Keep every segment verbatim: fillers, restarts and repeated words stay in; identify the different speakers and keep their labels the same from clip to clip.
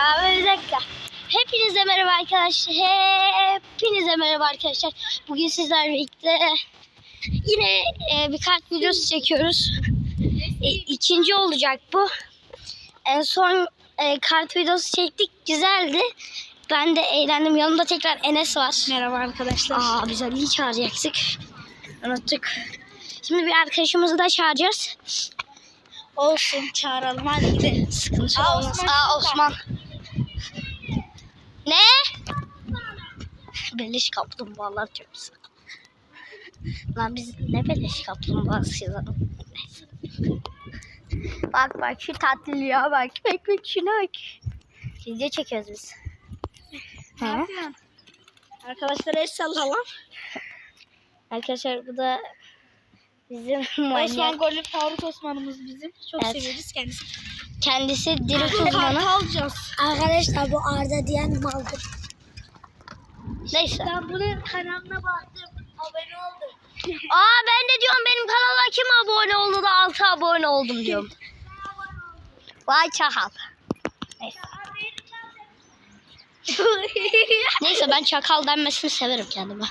Speaker 1: Abi bir dakika. Hepinize merhaba arkadaşlar. Hepinize merhaba arkadaşlar. Bugün sizlerle birlikte yine e, bir kart videosu çekiyoruz. E, ikinci olacak bu. En son e, kart videosu çektik. Güzeldi. Ben de eğlendim. Yanımda tekrar Enes var.
Speaker 2: Merhaba arkadaşlar.
Speaker 1: Aa, biz Ali'yi çağıracaktık. Unuttuk. Şimdi bir arkadaşımızı da çağıracağız.
Speaker 2: Olsun, çağıralım hadi gidelim.
Speaker 1: Sıkıntı
Speaker 2: Aa,
Speaker 1: olmaz.
Speaker 2: Osman
Speaker 1: Aa,
Speaker 2: şurada.
Speaker 1: Osman. Ne? Beleş kaplumbağalar çok güzel. Lan biz ne beleş kaplumbağası yazalım. Neyse. Bak bak şu tatlılığa bak. Bak bak şuna bak. Video çekiyoruz biz.
Speaker 2: Ne yapıyorsun? Arkadaşlar el sallalım.
Speaker 1: Arkadaşlar bu da bizim
Speaker 2: Osman
Speaker 1: manyak.
Speaker 2: Golü Faruk Osman'ımız bizim. Çok
Speaker 1: Evet.
Speaker 2: seviyoruz kendisini.
Speaker 1: Kendisi diri
Speaker 2: Kart
Speaker 1: uzmanı.
Speaker 2: alacağız.
Speaker 3: Arkadaşlar bu Arda diyen maldır.
Speaker 1: Neyse.
Speaker 2: Ben bunun kanalına baktım. Abone oldum.
Speaker 1: Aa ben de diyorum benim kanala kim abone oldu da altı abone oldum diyorum. Vay çakal. Neyse. Neyse ben çakal denmesini severim kendime.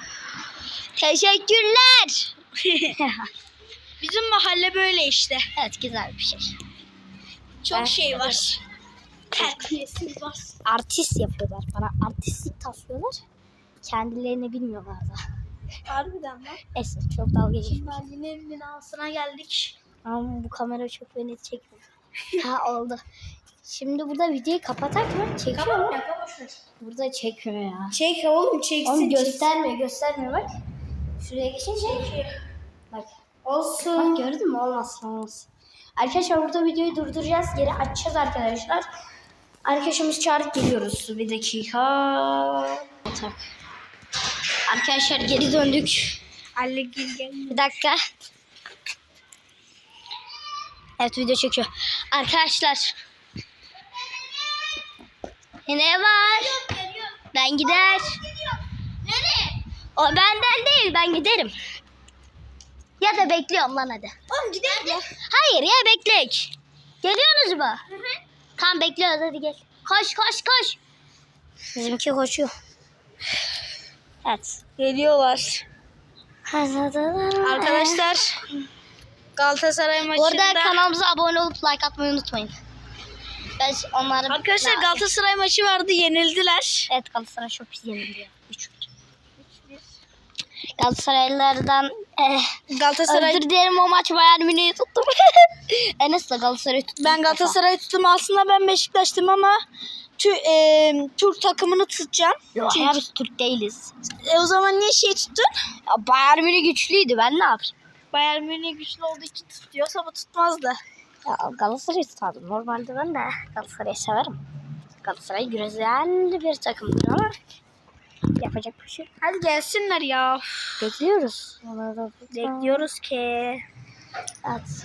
Speaker 1: Teşekkürler.
Speaker 2: Bizim mahalle böyle işte.
Speaker 1: Evet güzel bir şey.
Speaker 2: Çok
Speaker 1: Ben-
Speaker 2: şey var. Terbiyesiz var.
Speaker 1: Artist yapıyorlar bana. Artistlik taslıyorlar. Kendilerini bilmiyorlar da.
Speaker 2: Harbiden lan.
Speaker 1: Neyse çok dalga geçiyor.
Speaker 2: Şimdi Ali'nin binasına geldik.
Speaker 1: Ama bu kamera çok beni çekmiyor. Ha oldu. Şimdi burada videoyu kapatak mı? Çekiyor mu? Burada çekmiyor ya.
Speaker 2: Çek oğlum çeksin.
Speaker 1: Oğlum göstermiyor göstermiyor bak. Şuraya geçince. Bak.
Speaker 2: Olsun.
Speaker 1: Bak gördün mü? Olmasın olmasın. Arkadaşlar burada videoyu durduracağız. Geri açacağız arkadaşlar. Arkadaşımız çağırıp geliyoruz. Bir dakika. Tak. Arkadaşlar geri döndük.
Speaker 2: Ali gel gel.
Speaker 1: Bir dakika. Evet video çekiyor. Arkadaşlar. Ne var? Ben gider.
Speaker 2: Nereye?
Speaker 1: O benden değil ben giderim. Ya da bekliyorum lan hadi.
Speaker 2: Oğlum gidelim ya.
Speaker 1: Hayır ya beklek. Geliyorsunuz mu? Hı hı. Tamam bekliyoruz hadi gel. Koş koş koş. Bizimki koşuyor. Evet.
Speaker 2: Geliyorlar. Arkadaşlar Galatasaray
Speaker 1: Bu
Speaker 2: maçında
Speaker 1: arada kanalımıza abone olup like atmayı unutmayın. Ben onları...
Speaker 2: Arkadaşlar Galatasaray maçı vardı, yenildiler.
Speaker 1: Evet Galatasaray çok pis yenildi. üç bir. Galatasaraylılardan eh,
Speaker 2: Galatasaray
Speaker 1: özür dilerim o maç Bayern Münih'i tuttum. Enes de Galatasaray'ı tuttu.
Speaker 2: ben Galatasaray'ı tuttum. Aslında ben Beşiktaş'tım ama tü, e, Türk takımını tutacağım.
Speaker 1: Yok
Speaker 2: Çünkü-
Speaker 1: ya biz Türk değiliz.
Speaker 2: E, o zaman niye şey tuttun?
Speaker 1: Ya, Bayern Münih güçlüydü ben ne yapayım?
Speaker 2: Bayern Münih güçlü olduğu için tutuyorsa bu tutmazdı.
Speaker 1: Ya Galatasaray'ı tutardım. Normalde ben de Galatasaray'ı severim. Galatasaray güzel bir takımdır ama yapacak bir şey yok.
Speaker 2: Hadi gelsinler ya.
Speaker 1: Bekliyoruz. Onları da
Speaker 2: Bekliyoruz ki.
Speaker 1: Evet.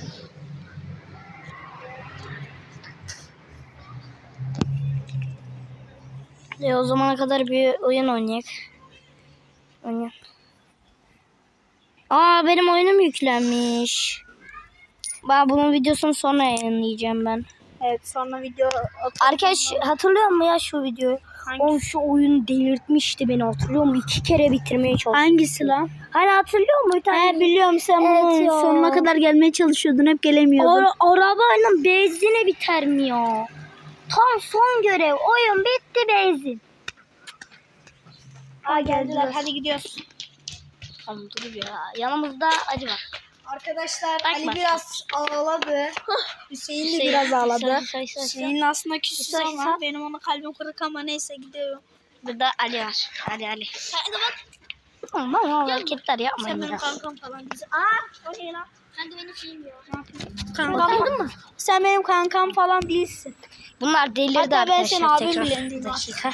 Speaker 1: E o zamana kadar bir oyun oynayalım. Oynayalım. Aa benim oyunum yüklenmiş. Ben bunun videosunu sonra yayınlayacağım ben.
Speaker 2: Evet sonra video atalım.
Speaker 1: Arkadaş hatırlıyor musun ya şu videoyu?
Speaker 2: Hangi-
Speaker 1: O şu oyun delirtmişti beni hatırlıyor musun? İki kere bitirmeye çalıştım.
Speaker 2: Hangisi lan?
Speaker 1: Hani hatırlıyor musun? Bir tane
Speaker 2: He biliyorum sen
Speaker 1: Evet
Speaker 2: bunun
Speaker 1: ya.
Speaker 2: sonuna kadar gelmeye çalışıyordun, hep gelemiyordun.
Speaker 1: Ara- arabayla benzini bitermiyor. Tam son görev. Oyun bitti benzin.
Speaker 2: Aa geldiler, hadi gidiyoruz.
Speaker 1: Tamam dur ya. Yanımızda acı var.
Speaker 2: Arkadaşlar
Speaker 1: Bak,
Speaker 2: Ali
Speaker 1: bak.
Speaker 2: biraz ağladı. Hüseyin de
Speaker 1: Hüseyin,
Speaker 2: biraz ağladı.
Speaker 1: Hüseyin, Hüseyin, Hüseyin.
Speaker 2: Hüseyin aslında küsüz
Speaker 1: Hüseyin,
Speaker 2: ama
Speaker 1: sen-
Speaker 2: benim ona kalbim kırık ama neyse gidiyorum.
Speaker 1: Burada Ali var. Ali Ali.
Speaker 2: Hadi bak.
Speaker 1: Tamam ama
Speaker 2: Gel.
Speaker 1: hareketler
Speaker 2: Sen
Speaker 1: yapmayın
Speaker 2: benim
Speaker 1: ya.
Speaker 2: kankam falan bizi. Aa o ne lan?
Speaker 3: Sen de benim şeyim yok.
Speaker 2: Kankam mı? Sen benim kankam falan değilsin.
Speaker 1: Bunlar delirdi
Speaker 2: Hatta ben
Speaker 1: arkadaşlar.
Speaker 2: senin abin
Speaker 1: tekrar.
Speaker 2: bile değilim
Speaker 1: Bir dakika.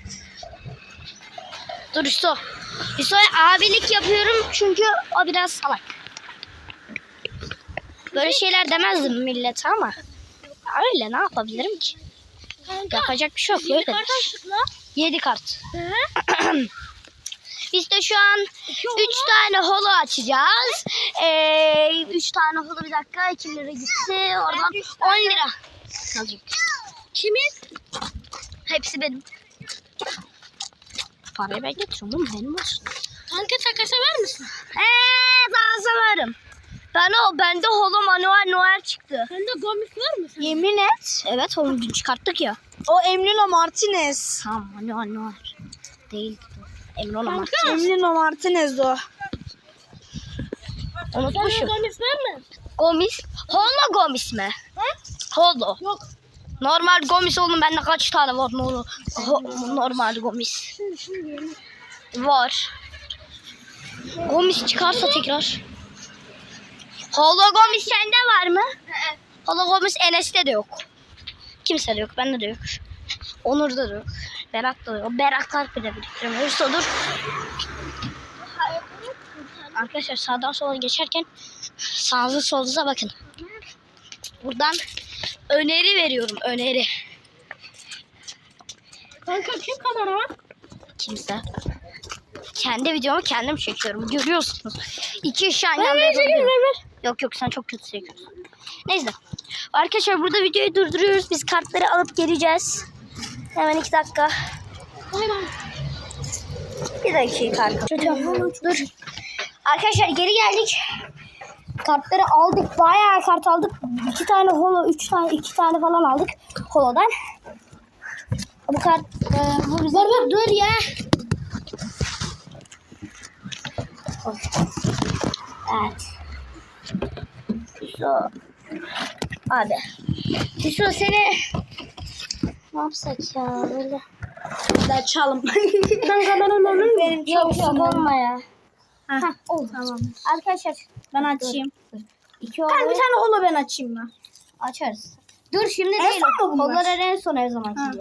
Speaker 1: Dur Hüso. Hüso'ya abilik yapıyorum çünkü o biraz salak. Böyle şeyler demezdim millete ama öyle ne yapabilirim ki? Yapacak bir şey yok. Böyle. Yedi kart. Biz de şu an üç tane holo açacağız. Ee, üç tane holo bir dakika iki lira gitti. Oradan on lira kalacak.
Speaker 2: Kimin?
Speaker 1: Hepsi benim. Parayı ben getiriyorum oğlum, benim olsun.
Speaker 3: Kanka takasa var mısın?
Speaker 1: Eee daha severim. Ben o bende Holo Manuel Noel çıktı.
Speaker 3: Sende Gomis var mı?
Speaker 2: Yemin et.
Speaker 1: Evet onu dün çıkarttık ya.
Speaker 2: O Emilio Martinez.
Speaker 1: Tamam Manuel Noel. Değil. Emre Ola Martin.
Speaker 2: Emilio Martinez o.
Speaker 3: Sende
Speaker 1: Unutmuşum.
Speaker 3: Gomis var mı?
Speaker 1: Gomis. Holo Gomis mi? Holo.
Speaker 3: Yok.
Speaker 1: Normal Gomis oğlum, bende kaç tane var ne olur. Ho- normal Gomis. Var. Gomis çıkarsa tekrar. Holo Gomis sende var mı? Holo Gomis Enes'te de yok. Kimse de yok. Bende de yok. Onur'da da yok. Berat'ta da yok. Beratlar bile biriktiremiyoruz. Dur. Arkadaşlar sağdan sola geçerken sağınıza solunuza bakın. Buradan öneri veriyorum. Öneri.
Speaker 3: Kanka kim kamera var?
Speaker 1: Kimse. Kendi videomu kendim çekiyorum. Görüyorsunuz. İki iş aynı anda yapabiliyorum. Yok yok sen çok kötü çekiyorsun. Neyse. Arkadaşlar burada videoyu durduruyoruz. Biz kartları alıp geleceğiz. Hemen iki dakika.
Speaker 3: Bay bay.
Speaker 1: Bir dakika arkadaşlar. Dur. Arkadaşlar geri geldik. Kartları aldık. Bayağı kart aldık. İki tane holo, üç tane, iki tane falan aldık holodan. Bu kart, e, bu bize... Dur, dur ya. Evet. Şu. Hadi. Şu seni ne yapsak ya böyle?
Speaker 2: Hadi açalım.
Speaker 3: Kanka ben onu
Speaker 2: Benim
Speaker 1: Yok
Speaker 2: çok
Speaker 1: yok olma ya.
Speaker 2: Heh,
Speaker 1: Oldu.
Speaker 2: tamam.
Speaker 1: Arkadaşlar
Speaker 2: Ben açayım.
Speaker 1: iki
Speaker 2: Ben bir
Speaker 1: holo
Speaker 2: tane holo ben açayım ben.
Speaker 1: açarız. Dur şimdi
Speaker 2: En
Speaker 1: değil.
Speaker 2: son mu bunlar?
Speaker 1: Hololar en son her zaman
Speaker 2: Ha.
Speaker 1: gibi.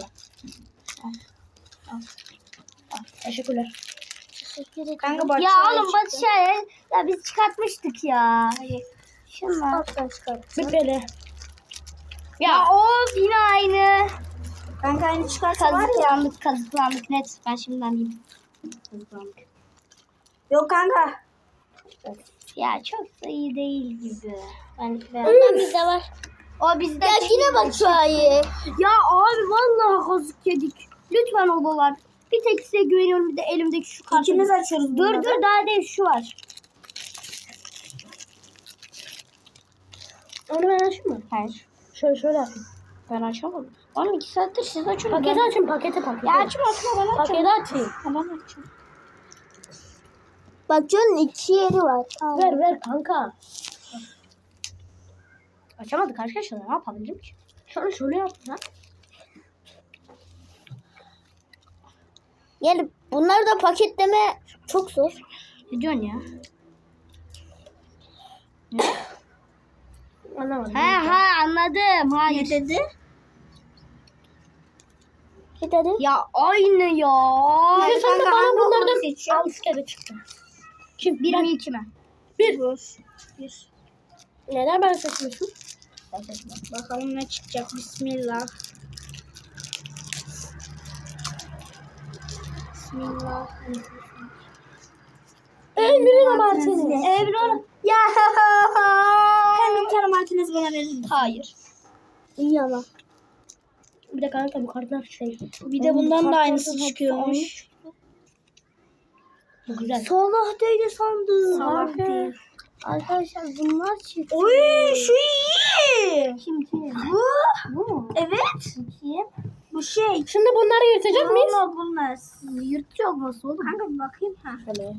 Speaker 1: Teşekkürler.
Speaker 2: Kanka bak
Speaker 1: Ya
Speaker 2: şöyle
Speaker 1: oğlum
Speaker 2: çıktı.
Speaker 1: Batı Şahin. Ya biz çıkartmıştık ya. Şunlar.
Speaker 2: Böyle.
Speaker 1: Ya of yine aynı.
Speaker 2: Kanka aynı çıkarsa var ya.
Speaker 1: Kazıklandık kazıklandık net. Ben şimdiden diyeyim. Kazıklandık.
Speaker 2: Yok kanka.
Speaker 1: Ya çok da iyi değil gibi. Ben
Speaker 3: Ondan bizde var.
Speaker 1: O bizde. Ya yine bak Şahin. Ya abi vallahi kazık yedik. Lütfen odalar. Bir tek size güveniyorum, bir de elimdeki şu kartı.
Speaker 2: İkimiz açıyoruz.
Speaker 1: Dur
Speaker 2: bunları.
Speaker 1: dur daha değil, şu var.
Speaker 3: Onu ben açayım mı?
Speaker 1: Hayır.
Speaker 3: Şöyle şöyle açayım.
Speaker 1: Ben açamadım. Oğlum iki saattir siz açın.
Speaker 3: Paketi açayım paketi paketi.
Speaker 1: Ya açma açma ben açayım.
Speaker 3: Paketi açayım.
Speaker 1: Tamam açayım.
Speaker 3: Bak canın iki yeri var. Ver ver kanka.
Speaker 1: Açamadık arkadaşlar, ne yapabilirim ki?
Speaker 3: Şöyle şöyle yaptın ha.
Speaker 1: Yani bunları da paketleme çok zor. Ne diyorsun ya?
Speaker 3: Anlamadım.
Speaker 1: Ha ha anladım. Hayır.
Speaker 2: Ne dedi?
Speaker 3: Ne dedi?
Speaker 1: Ya aynı ya.
Speaker 2: Hayır,
Speaker 3: Sen de
Speaker 2: kanka,
Speaker 3: bana
Speaker 2: hangi
Speaker 3: bunlardan
Speaker 2: okulu seçiyorsun?
Speaker 3: al üç kere çıktı.
Speaker 1: Kim? Bir mi iki mi?
Speaker 3: Bir.
Speaker 2: Bir.
Speaker 3: Neden ben seçmiyorsun?
Speaker 2: Bakalım ne çıkacak. Bismillah. Bismillah.
Speaker 3: Emre Martinez.
Speaker 2: Emre. Ya. Kanka bir tane Martinez bana verir misin?
Speaker 1: Hayır.
Speaker 3: İyi ama. Bir de kanka bu kartlar şey.
Speaker 2: Bir de bundan da aynısı çıkıyormuş.
Speaker 3: Bu güzel.
Speaker 1: Salah değil sandım.
Speaker 2: Salak değil.
Speaker 1: Arkadaşlar bunlar çıktı.
Speaker 2: Oy şu iyi.
Speaker 1: Kim kim?
Speaker 2: Bu.
Speaker 1: Bu mu?
Speaker 2: Evet.
Speaker 1: Kim?
Speaker 2: Bu şey.
Speaker 3: Şimdi bunları yırtacak mıyız?
Speaker 2: Valla bulmaz.
Speaker 1: Yırtıyor olması oğlum.
Speaker 2: Kanka bir bakayım. Ha.
Speaker 3: Şöyle.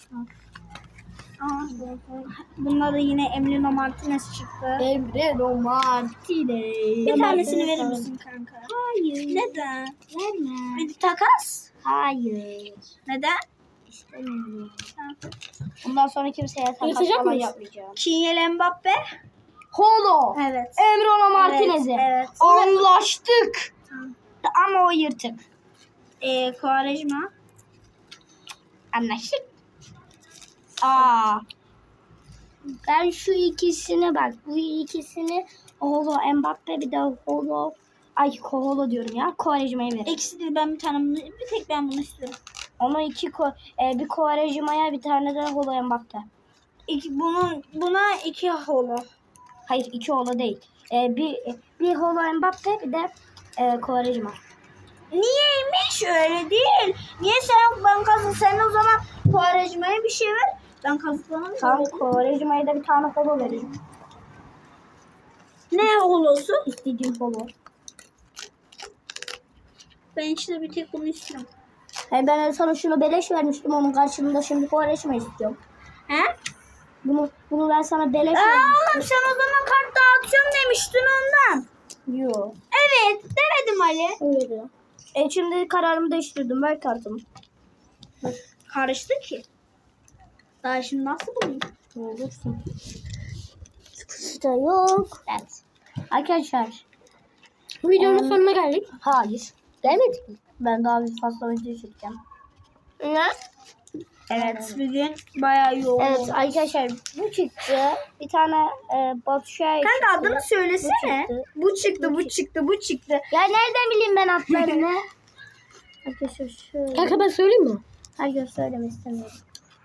Speaker 2: Aa, bunlar da yine Emiliano Martinez çıktı.
Speaker 3: Emre Martinez.
Speaker 2: Bir tanesini verir misin kanka?
Speaker 1: Hayır.
Speaker 2: Neden?
Speaker 1: Verme.
Speaker 2: Bir takas.
Speaker 1: Hayır.
Speaker 2: Neden?
Speaker 1: İstemiyorum. Bundan sonra kimseye takas
Speaker 3: Yırtacak
Speaker 1: falan
Speaker 3: mıyız?
Speaker 1: yapmayacağım.
Speaker 2: Kylian Mbappe.
Speaker 1: Holo.
Speaker 2: Evet.
Speaker 1: Emre Ola Martinez'i.
Speaker 2: Evet, evet.
Speaker 1: Anlaştık.
Speaker 2: Tamam.
Speaker 1: Ama o yırtık.
Speaker 2: Ee, Quaresma.
Speaker 1: Anlaştık. Aa. Ben şu ikisine bak. Bu ikisini Holo Mbappe, bir de Holo, ay Holo diyorum ya. Quaresma'ya veririm.
Speaker 2: İkisi değil, ben bir tane bunu, bir tek ben bunu istiyorum.
Speaker 1: Ama iki ko e, bir Quaresma'ya, bir tane de Holo Mbappe.
Speaker 2: İki, bunun, buna iki holo.
Speaker 1: Hayır iki Holo değil. E, bir bir Holo Mbappe, bir de e, Quaresma.
Speaker 2: Niyeymiş öyle değil. Niye sen ben kazı sen o zaman Kuvarecima'ya bir şey ver. Ben kazıklanırım. Tamam Kuvarecima'ya da bir tane holo vereceğim. Ne holosu? İstediğim holo. Ben işte bir tek bunu istiyorum. He ben sana şunu beleş vermiştim onun karşılığında şimdi Kuvarecima istiyorum. He? Bunu bunu ben sana beleş vermiştim. Oğlum sen o zaman kart dağıtıyorum demiştin ondan. Yok. Evet demedim Ali. Öyle. E şimdi kararımı değiştirdim. Ver kartımı. Karıştı ki. Daha şimdi nasıl bulayım? Ne olursun.
Speaker 1: İşte yok.
Speaker 2: Evet. Arkadaşlar.
Speaker 1: Videonun
Speaker 2: Em,
Speaker 1: sonuna geldik.
Speaker 2: Hayır.
Speaker 1: Gelmedik mi?
Speaker 2: Ben daha bir fazla video çekeceğim.
Speaker 1: Ne?
Speaker 2: Evet. Bugün bayağı yoğun.
Speaker 1: Evet arkadaşlar bu çıktı. Bir tane e, Batu Şahin
Speaker 2: Kanka
Speaker 1: çıktı.
Speaker 2: adını söylesene.
Speaker 1: Bu
Speaker 2: Bu çıktı, bu çıktı, bu çıktı.
Speaker 1: Ya nereden bileyim ben adlarını? Arkadaşlar şöyle. Kanka ben söyleyeyim mi?
Speaker 2: Hayır söyleme istemiyorum.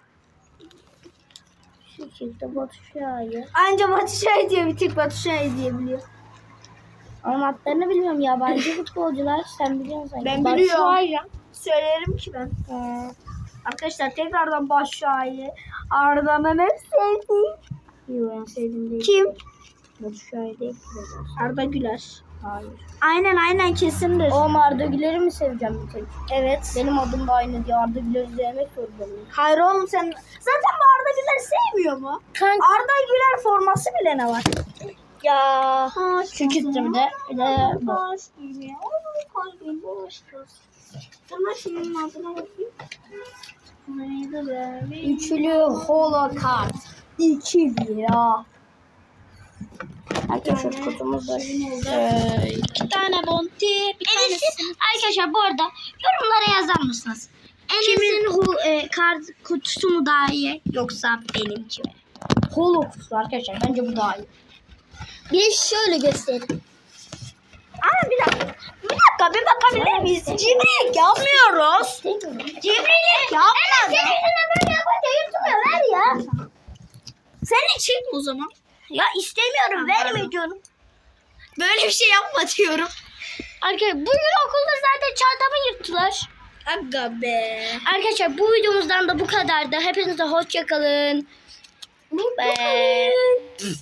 Speaker 1: Şu çıktı Batu Şahin.
Speaker 2: Anca Batu Şahin diyor, bir tek Batu Şahin diyebiliyor.
Speaker 1: Ama adlarını bilmiyorum yabancı futbolcular. Sen biliyorsun sanki.
Speaker 2: Ben
Speaker 1: Batu
Speaker 2: biliyorum.
Speaker 1: Şahin.
Speaker 2: Söylerim ki ben.
Speaker 1: Ee,
Speaker 2: Arkadaşlar tekrardan Batu Şahin. Arda'nın en sevdiğim.
Speaker 1: Yok en sevdiğim değil.
Speaker 2: Kim?
Speaker 1: Batu Şahin değil.
Speaker 2: Arda Güler.
Speaker 1: Hayır.
Speaker 2: Aynen aynen kesindir.
Speaker 1: O Arda Güler'i mi seveceğim bir tek?
Speaker 2: Evet.
Speaker 1: Benim adım da aynı diye Arda Güler'i sevmek zorundayım.
Speaker 2: Hayır oğlum sen zaten bu Arda Güler sevmiyor mu?
Speaker 1: Kanka.
Speaker 2: Arda Güler forması bile ne var?
Speaker 1: Ya.
Speaker 2: Şu
Speaker 1: Şu çıktı bir de. Bir de bu.
Speaker 2: Boş gibi. Kalbim boş. Sana şunun adına bakayım. Neydi be?
Speaker 1: Üçlü holo kart. iki lira. Arkadaşlar kutumuz da şöyle.
Speaker 2: İki tane bonti. Bir
Speaker 1: Enes'in arkadaşlar bu arada yorumlara yazar mısınız? Enes'in hu, e, kart kutusu mu daha iyi yoksa benimki mi? Holo kutusu arkadaşlar bence bu daha iyi. Bir de şöyle göstereyim.
Speaker 2: Aa bir dakika. Bir dakika bir bakabilir miyiz? Cimrilik yapmıyoruz. Cimrilik yapmadan.
Speaker 1: Senin yüzünden böyle yapınca yırtılıyor ver ya.
Speaker 2: Sen için o zaman.
Speaker 1: Ya istemiyorum verme diyorum.
Speaker 2: Böyle bir şey yapma diyorum.
Speaker 1: Arkadaşlar bugün okulda zaten çantamı yırttılar.
Speaker 2: Aga be.
Speaker 1: Arkadaşlar bu videomuzdan da bu kadardı. Hepinize hoşça kalın. Bye.